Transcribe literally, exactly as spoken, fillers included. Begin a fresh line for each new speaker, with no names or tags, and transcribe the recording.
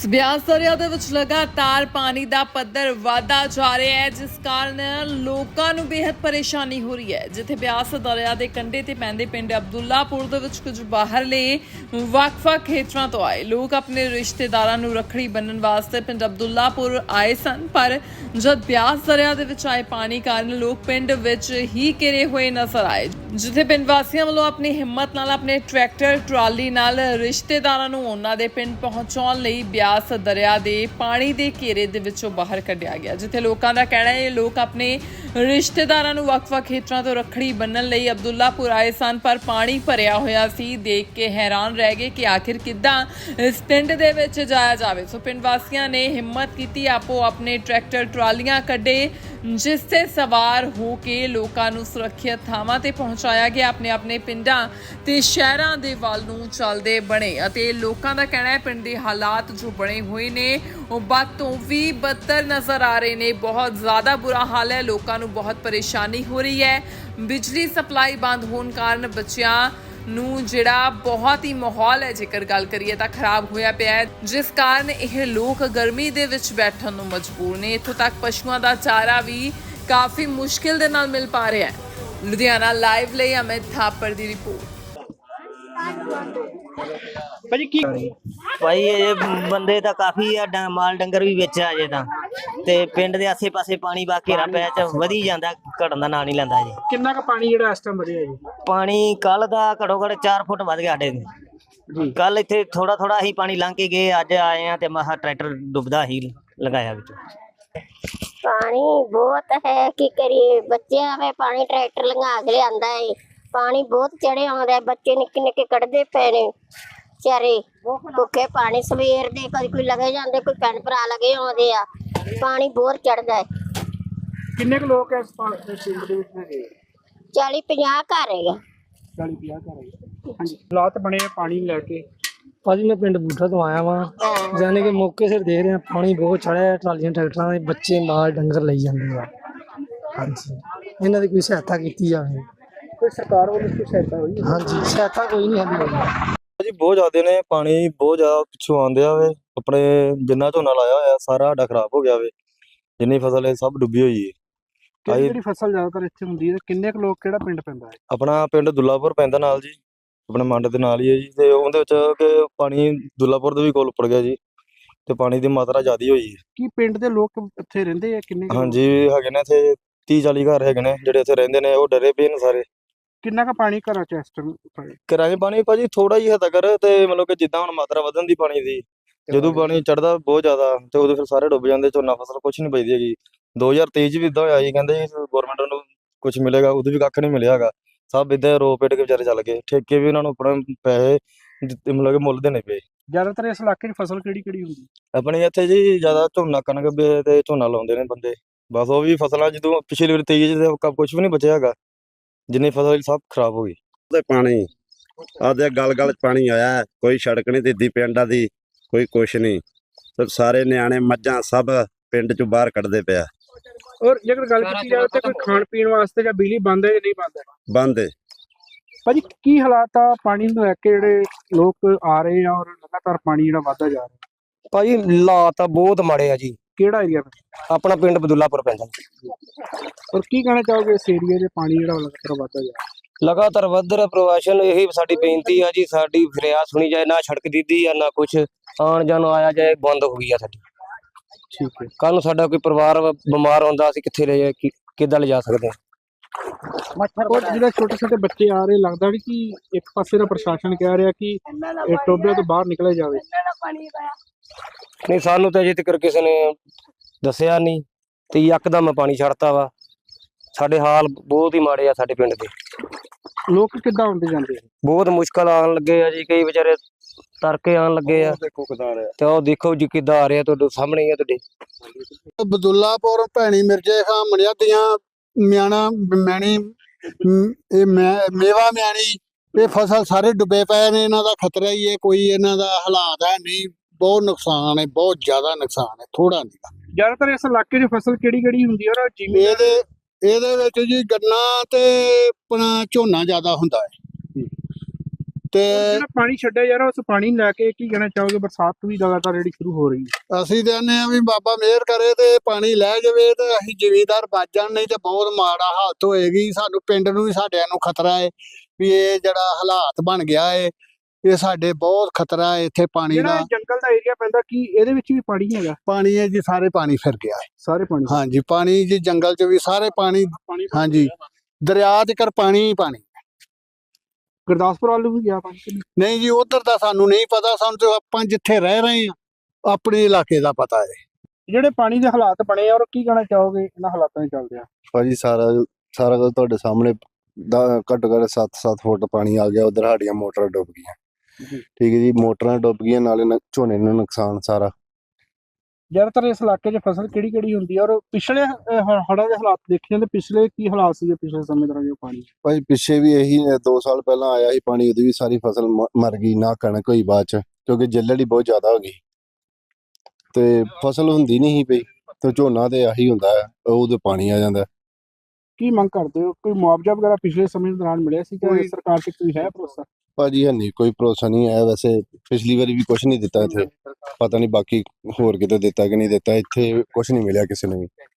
ਬਿਆਸ ਦਰਿਆ ਦੇ ਵਿੱਚ ਲਗਾਤਾਰ ਪਾਣੀ ਦਾ ਪੱਧਰ ਵਧਦਾ ਜਾ ਰਿਹਾ ਹੈ, ਜਿਸ ਕਾਰਨ ਲੋਕਾਂ ਨੂੰ ਬੇहद ਪਰੇਸ਼ਾਨੀ ਹੋ ਰਹੀ ਹੈ। ਜਿੱਥੇ ਬਿਆਸ ਦਰਿਆ ਦੇ ਕੰਢੇ ਤੇ ਪੈਂਦੇ ਪਿੰਡ ਅਬਦੁੱਲਾਪੁਰ ਦੇ ਵਿੱਚ ਕੁਝ ਬਾਹਰਲੇ ਵੱਖ-ਵੱਖ ਖੇਤਰਾਂ ਤੋਂ ਆਏ ਲੋਕ ਆਪਣੇ ਰਿਸ਼ਤੇਦਾਰਾਂ ਨੂੰ ਰੱਖੜੀ ਬੰਨ੍ਹਣ ਵਾਸਤੇ ਪਿੰਡ ਅਬਦੁੱਲਾਪੁਰ ਆਏ ਸਨ, ਪਰ ਜਦ ਬਿਆਸ ਦਰਿਆ ਦੇ ਵਿੱਚ ਆਏ ਪਾਣੀ ਕਾਰਨ ਲੋਕ ਪਿੰਡ ਵਿੱਚ ਹੀ ਘਿਰੇ ਹੋਏ ਨਜ਼ਰ ਆਏ। ਜਿੱਥੇ ਪਿੰਡ ਵਾਸੀਆਂ ਵੱਲੋਂ ਆਪਣੀ ਹਿੰਮਤ ਨਾਲ ਆਪਣੇ ਟਰੈਕਟਰ ਟਰਾਲੀ ਨਾਲ ਰਿਸ਼ਤੇਦਾਰਾਂ ਨੂੰ ਉਹਨਾਂ ਦੇ ਪਿੰਡ ਪਹੁੰਚਾਉਣ ਲਈ ਬਿਆਸ ਦਰਿਆ ਦੇ ਪਾਣੀ ਦੇ ਘੇਰੇ ਦੇ ਵਿੱਚੋਂ ਬਾਹਰ ਕੱਢਿਆ ਗਿਆ। ਜਿੱਥੇ ਲੋਕਾਂ ਦਾ ਕਹਿਣਾ ਹੈ ਇਹ ਲੋਕ ਆਪਣੇ ਰਿਸ਼ਤੇਦਾਰਾਂ ਨੂੰ ਵੱਖ-ਵੱਖ ਖੇਤਰਾਂ ਤੋਂ ਰੱਖੜੀ ਬੰਨ੍ਹਣ ਲਈ ਅਬਦੁੱਲਾਪੁਰ ਆਏ ਸਨ, ਪਰ ਪਾਣੀ ਭਰਿਆ ਹੋਇਆ ਸੀ। ਦੇਖ ਕੇ ਹੈਰਾਨ ਰਹਿ ਗਏ ਕਿ ਆਖਿਰ ਕਿੱਦਾਂ ਇਸ ਪਿੰਡ ਦੇ ਵਿੱਚ ਜਾਇਆ ਜਾਵੇ। ਸੋ ਪਿੰਡ ਵਾਸੀਆਂ ਨੇ ਹਿੰਮਤ ਕੀਤੀ, ਆਪੋ ਆਪਣੇ ਟਰੈਕਟਰ ਟਰਾਲੀਆਂ ਕੱਢੇ, ਜਿਸ ਤੇ ਸਵਾਰ ਹੋ ਕੇ ਲੋਕਾਂ ਨੂੰ ਸੁਰੱਖਿਅਤ ਥਾਵਾਂ ਤੇ ਪਹੁੰਚਾਇਆ ਗਿਆ। ਆਪਣੇ ਆਪਣੇ ਪਿੰਡਾਂ ਤੇ ਸ਼ਹਿਰਾਂ ਦੇ ਵੱਲ ਨੂੰ ਚੱਲਦੇ ਬਣੇ ਅਤੇ ਲੋਕਾਂ ਦਾ ਕਹਿਣਾ ਹੈ ਪਿੰਡ ਦੇ ਹਾਲਾਤ ਜੋ ਬਣੇ ਹੋਏ ਨੇ ਉਹ ਵੱਧ ਤੋਂ ਵੀ ਬੱਤਰ ਨਜ਼ਰ ਆ ਰਹੇ ਨੇ। ਬਹੁਤ ਜ਼ਿਆਦਾ ਬੁਰਾ ਹਾਲ ਹੈ, ਲੋਕਾਂ ਨੂੰ ਬਹੁਤ ਪਰੇਸ਼ਾਨੀ ਹੋ ਰਹੀ ਹੈ। ਬਿਜਲੀ ਸਪਲਾਈ ਬੰਦ ਹੋਣ ਕਾਰਨ ਬੱਚਿਆਂ ਨੂੰ ਜਿਹੜਾ ਬਹੁਤ ਹੀ ਮਾਹੌਲ ਹੈ, ਜੇਕਰ ਗੱਲ ਕਰੀਏ ਤਾਂ ਖਰਾਬ ਹੋਇਆ ਪਿਆ ਹੈ, ਜਿਸ ਕਾਰਨ ਇਹ ਲੋਕ ਗਰਮੀ ਦੇ ਵਿੱਚ ਬੈਠਣ ਨੂੰ ਮਜਬੂਰ ਨੇ। ਇੱਥੋਂ ਤੱਕ ਪਸ਼ੂਆਂ ਦਾ ਚਾਰਾ ਵੀ ਕਾਫੀ ਮੁਸ਼ਕਿਲ ਦੇ ਨਾਲ ਮਿਲ ਪਾ ਰਿਹਾ ਹੈ। ਲੁਧਿਆਣਾ ਲਾਈਵ ਲਈ ਅਮਿਤ ਥਾਪਰ ਦੀ ਰਿਪੋਰਟ।
ਭਾਜੀ ਕੀ
ਭਾਈ ਇਹ ਬੰਦੇ ਤਾਂ ਕਾਫੀ ਆ, ਡ- ਮਾਲ ਡੰਗਰ ਵੀ ਵਿੱਚ ਆ ਜੇ ਤਾਂ ਤੇ ਪਿੰਡ ਦੇ ਆਸੇ ਪਾਸੇ ਪਾਣੀ ਵਾ ਘੇਰਾ ਪਿਆ ਚ ਵਧੀ ਜਾਂਦਾ, ਘਟਣ ਦਾ ਨਾਂ ਨਹੀਂ ਲੈਂਦਾ ਜੀ।
ਕਿੰਨਾ ਕੁ ਪਾਣੀ ਜਿਹੜਾ ਇਸ ਟਾਈਮ ਵਧਿਆ ਜੀ?
ਪਾਣੀ ਕੱਲ ਦਾ ਘੜੋ ਘੜ ਚਾਰ ਫੁੱਟ ਵੱਧ ਗਿਆ ਸਾਡੇ
ਜੀ
ਕੱਲ ਇੱਥੇ ਥੋੜਾ ਥੋੜਾ ਹੀ ਪਾਣੀ ਲੰਘ ਕੇ ਗਏ, ਅੱਜ ਆਏ ਆ ਤੇ ਮਹਾ ਟਰੈਕਟਰ ਡੁੱਬਦਾ ਹੀ ਲਗਾਇਆ ਵਿੱਚ।
पानी बहुत है की करिए, बच्चे हमें पानी ट्रैक्टर लंघा के लियांदा है। पानी बहुत चढ़े आउंदा है, बच्चे निक्के निक्के कढ़दे पे ने बेचारे भुखे पानी सवेर दे, कदी कोई लगे जांदे, कोई भैन भरा लगे आउंदे आ। पानी बहुत चढ़दा है।
ਕਿੰਨੇ ਕੁ ਲੋਕ ਇਸ ਪਾ- ਇਸ ਪਿੰਡ ਦੇ ਵਿੱਚ ਹੈਗੇ?
चाली पचास घर है।
ਚਾਲੀ ਪੰਜਾਹ ਘਰ ਹੈਗੇ। ਹਾਂਜੀ, ਹਾਲਾਤ ਬਣੇ ਆ ਪਾਣੀ ਲੈ ਕੇ।
ਭਾਜੀ ਮੈਂ ਪਿੰਡ ਬੂਠਾ ਤੋਂ ਆਇਆ ਵਾਂ, ਜਾਨੇ ਕਿ ਮੌਕੇ ਸਿਰ ਦੇਖ ਰਿਹਾ ਪਾਣੀ ਬਹੁਤ ਚੜਿਆ ਹੈ, ਟਰਾਲੀਆਂ ਟਰੈਕਟਰਾਂ ਦੇ ਬੱਚੇ ਮਾਲ ਡੰਗਰ ਲਈ ਜਾਂਦੇ ਆ। ਹਾਂਜੀ, ਇਹਨਾਂ ਦੀ ਕੋਈ ਸਹਾਇਤਾ ਕੀਤੀ ਜਾਵੇ।
ਕੋਈ ਸਰਕਾਰ ਵੱਲੋਂ ਕੋਈ ਸਹਾਇਤਾ ਹੋਈ?
ਹਾਂਜੀ, ਸਹਾਇਤਾ ਕੋਈ ਨਹੀਂ ਹੁੰਦੀ
ਜੀ ਬਹੁਤ ਜ਼ਿਆਦਾ ਨੇ, ਪਾਣੀ ਬਹੁਤ ਜ਼ਿਆਦਾ ਪਿੱਛੋਂ ਆਉਂਦੇ ਆ ਵੇ। ਆਪਣੇ ਜਿੰਨਾ ਝੋਨਾ ਲਾਇਆ ਹੋਇਆ ਸਾਰਾ ਸਾਡਾ ਖਰਾਬ ਹੋ ਗਿਆ ਵੇ, ਜਿੰਨੀ ਫਸਲ ਹੈ ਸਭ ਡੁੱਬੀ ਹੋਈ ਹੈ।
ਕਿਹੜੀ ਕਿਹੜੀ ਫਸਲ ਜ਼ਿਆਦਾਤਰ ਇੱਥੇ ਹੁੰਦੀ ਹੈ? ਕਿੰਨੇ ਕੁ ਲੋਕ ਕਿਹੜਾ ਪਿੰਡ ਪੈਂਦਾ ਹੈ?
ਆਪਣਾ ਪਿੰਡ ਦੁੱਲਾਪੁਰ ਪੈਂਦਾ ਨਾਲ ਜੀ, ਆਪਣੇ ਮੰਡ ਦੇ ਨਾਲ ਹੀ ਹੈ ਜੀ। ਤੇ ਉਹਦੇ ਵਿੱਚ ਕਿ ਪਾਣੀ ਦੁੱਲਾਪੁਰ ਦੇ ਵੀ ਕੋਲ ਉੱਪੜ ਗਿਆ ਜੀ, ਤੇ ਪਾਣੀ ਦੀ ਮਾਤਰਾ ਜ਼ਿਆਦਾ ਹੋਈ ਹੈ।
ਕੀ ਪਿੰਡ ਦੇ ਲੋਕ ਇੱਥੇ ਰਹਿੰਦੇ ਆ? ਕਿੰਨੇ ਕੁ ਲੋਕ?
ਹਾਂਜੀ ਹੈਗੇ ਨੇ ਇੱਥੇ ਤੀਹ ਚਾਲੀ ਘਰ ਹੈਗੇ ਨੇ ਜਿਹੜੇ ਇੱਥੇ ਰਹਿੰਦੇ ਨੇ, ਉਹ ਡਰੇ ਪਏ ਨੇ ਸਾਰੇ।
ਕਿੰਨਾ ਕੁ ਪਾਣੀ ਘਰਾਂ ਚ ਇਸ ਟਾਈਮ?
ਕਿਰਾਏ ਪਾਣੀ ਭਾਜੀ ਥੋੜਾ ਹੀ ਹੱਦ ਕਰ, ਤੇ ਮਤਲਬ ਕਿ ਜਿੱਦਾਂ ਹੁਣ ਮਾਤਰਾ ਵਧਣ ਦੀ ਪਾਣੀ ਦੀ, ਜਦੋਂ ਪਾਣੀ ਚੜਦਾ ਬਹੁਤ ਜ਼ਿਆਦਾ ਤੇ ਉਦੋਂ ਫਿਰ ਸਾਰੇ ਡੁੱਬ ਜਾਂਦੇ, ਝੋਨਾ ਫਸਲ ਕੁਛ ਨਹੀਂ ਬਚਦੀ ਹੈਗੀ। ਦੋ ਹਜ਼ਾਰ ਤੇਈ ਚ ਵੀ ਇਦਾਂ ਹੋਇਆ ਜੀ, ਕਹਿੰਦੇ ਗਵਰਨਮੈਂਟ ਨੂੰ ਕੁਛ ਮਿਲੇਗਾ, ਉਦੋਂ ਵੀ ਕੱਖ ਨਹੀਂ ਮਿਲਿਆ ਹੈਗਾ। ਸਭ ਇਦਾਂ ਰੋ ਪੇਟ ਕੇ ਵਿਚਾਰੇ ਚੱਲ ਗਏ, ਠੇਕੇ ਵੀ ਉਹਨਾਂ ਨੂੰ ਆਪਣੇ ਪੈਸੇ ਦਿੱਤੇ, ਮਤਲਬ ਕਿ ਮੁੱਲ ਦੇਣੇ ਪਏ।
ਜ਼ਿਆਦਾਤਰ ਇਸ ਇਲਾਕੇ 'ਚ ਫਸਲ ਕਿਹੜੀ ਕਿਹੜੀ ਹੁੰਦੀ?
ਆਪਣੇ ਇੱਥੇ ਜੀ ਜ਼ਿਆਦਾ ਝੋਨਾ ਕਣਕ ਵੀ ਤੇ ਝੋਨਾ ਲਾਉਂਦੇ ਨੇ ਬੰਦੇ, ਬਸ ਉਹ ਵੀ ਫਸਲਾਂ ਜਦੋਂ ਪਿਛਲੀ ਵਾਰ ਤੇਈ ਚ ਕੁਛ ਵੀ ਨਹੀਂ ਬਚਿਆ ਹੈਗਾ, ਜਿੰਨੀ ਫਸਲ ਸਭ ਖਰਾਬ ਹੋ ਗਈ।
ਤੇ ਪਾਣੀ ਆਦੇ ਗਲ ਗਲ ਚ ਪਾਣੀ ਆਇਆ ਹੈ, ਕੋਈ ਸੜਕ ਨਹੀਂ ਦਿੱਦੀ ਪਿੰਡਾਂ ਦੀ, ਕੋਈ ਕੁਛ ਨਹੀਂ, ਤੇ ਸਾਰੇ ਨਿਆਣੇ ਮੱਝਾਂ ਸਭ ਪਿੰਡ ਚੋਂ ਬਾਹਰ ਕੱਢਦੇ ਪਿਆ।
ਔਰ ਜੇਕਰ ਗੱਲ ਕੀਤੀ ਜਾਵੇ ਤਾਂ ਕੋਈ ਖਾਣ ਪੀਣ ਵਾਸਤੇ ਜਾਂ ਬਿਜਲੀ ਬੰਦ ਹੈ ਜਾਂ ਨਹੀਂ ਬੰਦ ਹੈ?
ਬੰਦ ਹੈ
ਭਾਜੀ ਕੀ ਹਾਲਾਤ ਆ ਪਾਣੀ ਨੂੰ ਲੈ ਕੇ, ਜਿਹੜੇ ਲੋਕ ਆ ਰਹੇ ਆ ਔਰ ਲਗਾਤਾਰ ਪਾਣੀ ਜਿਹੜਾ ਵਧਦਾ ਜਾ ਰਿਹਾ?
ਭਾਜੀ ਹਾਲਾਤ ਤਾਂ ਬਹੁਤ ਮਾੜੇ ਆ ਜੀ।
ਕਿਹੜਾ ਏਰੀਆ?
ਆਪਣਾ ਪਿੰਡ ਬਦੁੱਲਾਪੁਰ ਪੈਂਦਾ।
ਔਰ ਕੀ ਕਹਿਣਾ ਚਾਹੋਗੇ ਇਸ ਏਰੀਆ ਦੇ ਪਾਣੀ ਜਿਹੜਾ ਲਗਾਤਾਰ ਵਧਦਾ ਜਾ ਰਿਹਾ?
ਲਗਾਤਾਰ ਵੱਧ ਰਿਹਾ ਪ੍ਰਵਾਸ਼ਨ, ਇਹੀ ਸਾਡੀ ਬੇਨਤੀ ਆ ਜੀ, ਸਾਡੀ ਫਰਿਆਦ ਸੁਣੀ ਜਾਏ। ਨਾ ਸੜਕ ਦਿੱਦੀ ਆ ਨਾ ਕੁਛ, ਆਉਣ ਜਾਣ ਆਇਆ ਜਾਏ ਬੰਦ ਹੋ ਗਈ ਆ ਸਾਡੀ।
ਠੀਕ ਹੈ।
ਕੱਲ ਨੂੰ ਸਾਡਾ ਕੋਈ ਪਰਿਵਾਰ ਬਿਮਾਰ ਹੁੰਦਾ, ਅਸੀਂ ਕਿੱਥੇ ਲੈ ਜਾ ਕਿੱਦਾਂ ਲਿਜਾ ਸਕਦੇ ਹਾਂ?
ਔਰ ਜਿਹੜੇ ਛੋਟੇ ਛੋਟੇ ਬੱਚੇ ਆ ਰਹੇ, ਲੱਗਦਾ ਨਹੀਂ ਕਿ ਇੱਕ ਪਾਸੇ ਦਾ ਪ੍ਰਸ਼ਾਸਨ ਕਹਿ ਰਿਹਾ ਕਿ ਇਹ ਟੋਬਿਆਂ ਤੋਂ ਬਾਹਰ ਨਿਕਲਿਆ ਜਾਵੇ?
ਨਹੀਂ, ਸਾਨੂੰ ਤਾਂ ਅਜੇ ਤੱਕ ਕਿਸੇ ਨੇ ਦੱਸਿਆ ਨਹੀਂ, ਤੇ ਯਕਦਮ ਪਾਣੀ ਛੱਡਤਾ ਵਾ। ਸਾਡੇ ਹਾਲ ਬਹੁਤ ਹੀ ਮਾੜੇ ਆ ਸਾਡੇ ਪਿੰਡ ਦੇ।
ਲੋਕ ਕਿੱਦਾਂ ਆਉਂਦੇ ਜਾਂਦੇ ਆ?
ਬਹੁਤ ਮੁਸ਼ਕਲ ਆਉਣ ਲੱਗੇ ਆ ਜੀ, ਕਈ ਵਿਚਾਰੇ ਤਰਕੇ ਆਉਣ ਲੱਗੇ ਆ, ਤੇ ਉਹ ਦੇਖੋ ਜੀ ਕਿੱਦਾਂ ਆ ਰਿਹਾ, ਤੁਹਾਡੇ ਸਾਹਮਣੇ ਹੀ ਆ ਤੁਹਾਡੇ।
ਬਦੁੱਲਾਪੁਰ ਭੈਣੀ ਮਿਰਜੇ ਖਾਂ ਮਣਿਆਦੀਆਂ ਮਿਆਣਾ ਮੈਣੀ ਮ- ਇਹ ਮੈਂ- ਮੇਵਾ ਮਿਆਣੀ, ਇਹ ਫਸਲ ਸਾਰੇ ਡੁੱਬੇ ਪਏ ਨੇ। ਇਹਨਾਂ ਦਾ ਖਤਰਾ ਹੀ ਹੈ, ਕੋਈ ਇਹਨਾਂ ਦਾ ਹਾਲਾਤ ਹੈ ਨਹੀਂ। ਬਹੁਤ ਨੁਕਸਾਨ ਹੈ, ਬਹੁਤ ਜ਼ਿਆਦਾ ਨੁਕਸਾਨ ਹੈ, ਥੋੜਾ ਨਹੀਂ।
ਜ਼ਿਆਦਾਤਰ ਇਸ ਇਲਾਕੇ 'ਚ ਫਸਲ ਕਿਹੜੀ ਕਿਹੜੀ ਹੁੰਦੀ ਹੈ? ਔਰ ਜਿਵੇਂ
ਇਹਦੇ ਇਹਦੇ ਵਿੱਚ ਜੀ ਗੰਨਾ ਤੇ ਆਪਣਾ ਝੋਨਾ ਜ਼ਿਆਦਾ ਹੁੰਦਾ ਹੈ, ਤੇ
ਜਿਹੜਾ ਪਾਣੀ ਛੱਡਿਆ ਜਾ ਰਿਹਾ ਉਸ ਪਾਣੀ ਨੂੰ ਲੈ ਕੇ ਕੀ ਕਹਿਣਾ ਚਾਹੋਗੇ? ਬਰਸਾਤ ਵੀ ਲਗਾਤਾਰ ਜਿਹੜੀ ਸ਼ੁਰੂ ਹੋ ਰਹੀ ਹੈ।
ਅਸੀਂ ਤੇ ਆਨੇ ਆ ਵੀ ਬਾਬਾ ਮਿਹਰ ਕਰੇ ਤੇ ਪਾਣੀ ਲੈ ਜਾਵੇ ਤੇ ਅਸੀਂ ਜ਼ਿਮੀਂਦਾਰ ਬਚ ਜਾਣ, ਨਹੀਂ ਤੇ ਬਹੁਤ ਮਾੜਾ ਹਾਲਤ ਹੋਏਗੀ। ਸਾਨੂੰ ਪਿੰਡ ਨੂੰ ਵੀ ਸਾਡਿਆਂ ਨੂੰ ਖਤਰਾ ਹੈ ਵੀ ਇਹ ਜਿਹੜਾ ਹਾਲਾਤ ਬਣ ਗਿਆ ਹੈ, ਇਹ ਸਾਡੇ ਬਹੁਤ ਖਤਰਾ ਹੈ ਇੱਥੇ ਪਾਣੀ
ਜਿਹੜਾ
ਦਾ।
ਇਹ ਜੰਗਲ ਦਾ ਏਰੀਆ ਪੈਂਦਾ, ਕੀ ਇਹਦੇ ਵਿੱਚ ਵੀ ਪਾਣੀ ਹੈਗਾ?
ਪਾਣੀ ਹੈ ਜੀ, ਸਾਰੇ ਪਾਣੀ ਫਿਰ ਗਿਆ ਹੈ।
ਸਾਰੇ ਪਾਣੀ
ਹਾਂਜੀ ਪਾਣੀ ਜੀ, ਜੰਗਲ ਚ ਵੀ ਸਾਰੇ ਪਾਣੀ,
ਪਾਣੀ
ਹਾਂਜੀ ਦਰਿਆ ਚ ਕਰ ਪਾਣੀ ਹੀ ਪਾਣੀ।
ਗੁਰਦਾਸਪੁਰ ਵੱਲ ਨੂੰ ਵੀ ਗਿਆ ਪਾਣੀ ਕਿ ਨਹੀਂ?
ਨਹੀਂ ਜੀ ਉਧਰ ਦਾ ਸਾਨੂੰ ਨਹੀਂ ਪਤਾ, ਸਾਨੂੰ ਤੇ ਆਪਾਂ ਜਿੱਥੇ ਰਹਿ ਰਹੇ ਹਾਂ ਆਪਣੇ ਇਲਾਕੇ ਦਾ ਪਤਾ ਹੈ।
ਜਿਹੜੇ ਪਾਣੀ ਦੇ ਹਾਲਾਤ ਬਣੇ ਆ ਔਰ ਕੀ ਕਹਿਣਾ ਚਾਹੋਗੇ ਇਹਨਾਂ ਹਾਲਾਤਾਂ ਦੇ ਚੱਲਦੇ ਆ?
ਭਾਜੀ ਸਾਰਾ ਸਾਰਾ ਕੁਝ ਤੁਹਾਡੇ ਸਾਹਮਣੇ ਦਾ ਘੱਟੋ ਘੱਟ ਸੱਤ ਸੱਤ ਫੁੱਟ ਪਾਣੀ ਆ ਗਿਆ। ਉਧਰ ਸਾਡੀਆਂ ਮੋਟਰਾਂ ਡੁੱਬ ਗਈਆਂ।
ਜੀ।
ਠੀਕ ਹੈ ਜੀ, ਮੋਟਰਾਂ ਡੁੱਬ ਗਈਆਂ, ਨਾਲੇ ਨ- ਝੋਨੇ ਨੂੰ ਨੁਕਸਾਨ ਸਾਰਾ।
ਜ਼ਿਆਦਾਤਰ ਇਸ ਇਲਾਕੇ 'ਚ ਫਸਲ ਕਿਹੜੀ ਕਿਹੜੀ ਹੁੰਦੀ ਹੈ ਔਰ ਪਿਛਲੇ ਅਹ, ਹ- ਹੜ੍ਹਾਂ ਦੇ ਹਾਲਾਤ ਦੇਖੇ ਜਾਂਦੇ, ਪਿਛਲੇ ਕੀ ਹਾਲਾਤ ਸੀਗੇ ਪਿਛਲੇ ਸਮੇਂ ਦੌਰਾਨ ਜੋ ਪਾਣੀ?
ਭਾਜੀ ਪਿੱਛੇ ਵੀ ਇਹੀ ਦੋ ਸਾਲ ਪਹਿਲਾਂ ਆਇਆ ਸੀ ਪਾਣੀ, ਉਹਦੀ ਵੀ ਸਾਰੀ ਫਸਲ ਮ- ਮਰ ਗਈ, ਨਾ ਕਣਕ ਹੋਈ ਬਾਅਦ ਚ, ਕਿਉਂਕਿ ਜੱਲੜ ਹੀ ਬਹੁਤ ਜ਼ਿਆਦਾ ਹੋ ਗਈ ਤੇ ਫਸਲ ਹੁੰਦੀ ਨਹੀਂ ਸੀ ਪਈ। ਤੇ ਝੋਨਾ ਤੇ ਆਹੀ ਹੁੰਦਾ ਹੈ, ਉਹਦੇ ਪਾਣੀ ਆ ਜਾਂਦਾ।
ਕੀ ਮੰਗ ਕਰਦੇ ਹੋ? ਕੋਈ ਮੁਆਵਜ਼ਾ ਵਗੈਰਾ ਪਿਛਲੇ ਸਮੇਂ ਦੌਰਾਨ ਮਿਲਿਆ ਸੀ ਕਿ
ਕੋਈ-
ਸਰਕਾਰ ਤੇ ਕੋਈ ਹੈ ਭਰੋਸਾ?
ਭਾਜੀ ਹੈ ਨਹੀਂ, ਕੋਈ ਭਰੋਸਾ ਨਹੀਂ ਹੈ। ਵੈਸੇ ਪਿਛਲੀ ਵਾਰੀ ਵੀ ਕੁਝ ਨਹੀਂ ਦਿੱਤਾ ਇੱਥੇ, ਪਤਾ ਨਹੀਂ ਬਾਕੀ ਹੋਰ ਕਿਤੇ ਦਿੱਤਾ ਕਿ ਨਹੀਂ ਦਿੱਤਾ, ਇੱਥੇ ਕੁਝ ਨਹੀਂ ਮਿਲਿਆ ਕਿਸੇ ਨੂੰ ਵੀ।